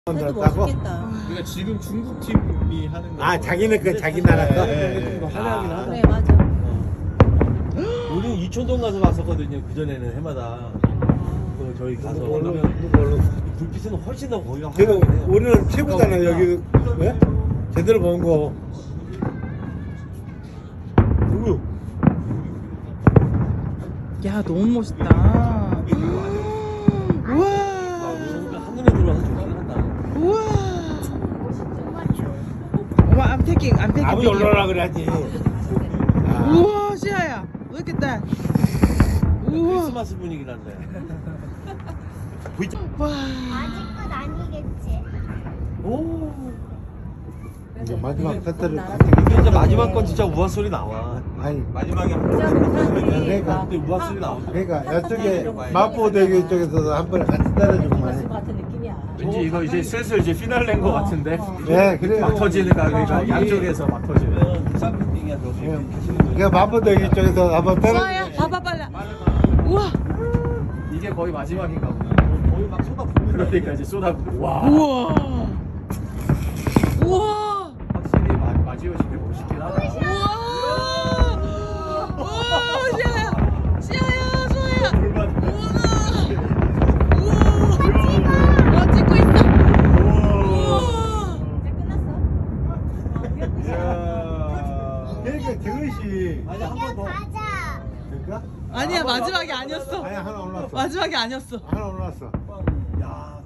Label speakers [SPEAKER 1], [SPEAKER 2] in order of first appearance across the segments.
[SPEAKER 1] 그래도
[SPEAKER 2] 만들었다고?
[SPEAKER 1] 멋있겠다.
[SPEAKER 3] 그러니까 지금 중국 팀이 하는 거.
[SPEAKER 2] 아, 자기는 그 자기 나라 거?
[SPEAKER 4] 하나하긴 하다.
[SPEAKER 1] 그래 맞아.
[SPEAKER 4] 우리는 이촌동 가서 봤었거든요. 그 전에는 해마다. 그 저희 가서 그러면
[SPEAKER 2] 뭘로?
[SPEAKER 4] 불빛은 훨씬 더 거기가
[SPEAKER 2] 그래도
[SPEAKER 4] 화려하긴 해요.
[SPEAKER 2] 우리는 최고잖아 여기. 왜? 제대로 본 거. 누구?
[SPEAKER 5] 야 너무 멋있다. 우와
[SPEAKER 4] 한눈에 들어와서 좋긴 한다.
[SPEAKER 5] 우와. 어머 I'm taking
[SPEAKER 2] 아버지
[SPEAKER 5] video.
[SPEAKER 2] 올라오라 그래야지. 아,
[SPEAKER 5] 우와 시아야 look at that. 우와
[SPEAKER 4] 크리스마스 분위기 난데.
[SPEAKER 5] 와.
[SPEAKER 6] 아직 끝 아니겠지?
[SPEAKER 4] 오.
[SPEAKER 2] 이제 마지막 패트를
[SPEAKER 4] 이게 이제 마지막 건 진짜 우아 소리 나와.
[SPEAKER 2] 아니
[SPEAKER 3] 마지막에
[SPEAKER 2] 그러니까
[SPEAKER 4] 근데 우아 소리 나오죠.
[SPEAKER 2] 그러니까 이쪽에 마포대교 쪽에서도 한 번에 같이 따라주고만 해.
[SPEAKER 1] 같은 느낌이야.
[SPEAKER 3] 왠지 이거 이제 슬슬 이제 피날레인 것 같은데.
[SPEAKER 2] 네, 그래.
[SPEAKER 3] 막 터지는 그러니까 양쪽에서 막 터지는.
[SPEAKER 4] 부산 빌딩이야 저기
[SPEAKER 2] 예.
[SPEAKER 4] 하시는 분.
[SPEAKER 2] 그러니까 마포대교 쪽에서 한번
[SPEAKER 5] 시아야
[SPEAKER 2] 따라.
[SPEAKER 5] 봐봐 빨라. 우와
[SPEAKER 3] 이게 거의 마지막인가 보다.
[SPEAKER 4] 거의 막 쏟아붓는
[SPEAKER 3] 그러니까 이제 쏟아붓고. 와.
[SPEAKER 5] 우와 우와
[SPEAKER 3] 확실히 마지오시게 멋있긴 하다.
[SPEAKER 5] 우와 우와 시아야 시아야 소아야 우와 우와 와 찍고 있어 우와
[SPEAKER 1] 이제 끝났어?
[SPEAKER 3] 이야.
[SPEAKER 2] 그러니까 저것이
[SPEAKER 4] 아니 한 번 더.
[SPEAKER 6] 가자.
[SPEAKER 2] 그러니까?
[SPEAKER 5] 아니야 마지막이 아니었어
[SPEAKER 2] 아니 하나 올랐어.
[SPEAKER 5] 마지막이 아니었어
[SPEAKER 2] 하나 올랐어.
[SPEAKER 4] 야.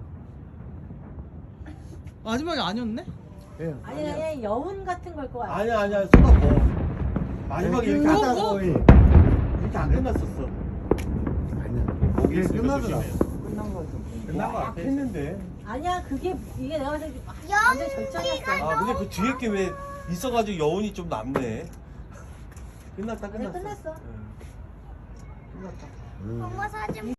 [SPEAKER 5] 마지막이 아니었네
[SPEAKER 2] 예.
[SPEAKER 1] 아니 그냥 여운 같은 걸 거 같아.
[SPEAKER 4] 아니야 쏟아부. 마지막에 이렇게
[SPEAKER 5] 어,
[SPEAKER 4] 안
[SPEAKER 5] 어?
[SPEAKER 4] 이렇게 안 끝났었어.
[SPEAKER 2] 아니야. 이게 끝나더라.
[SPEAKER 4] 끝난 거 같아. 했는데.
[SPEAKER 1] 아니야 그게 이게 내가 봤을 때 완전 절정이었어.
[SPEAKER 4] 아 근데 그 뒤에 게 왜 있어가지고 여운이 좀 남네. 끝났다
[SPEAKER 1] 그래
[SPEAKER 4] 끝났어.
[SPEAKER 1] 끝났어.
[SPEAKER 4] 응. 끝났다.
[SPEAKER 6] 엄마 사진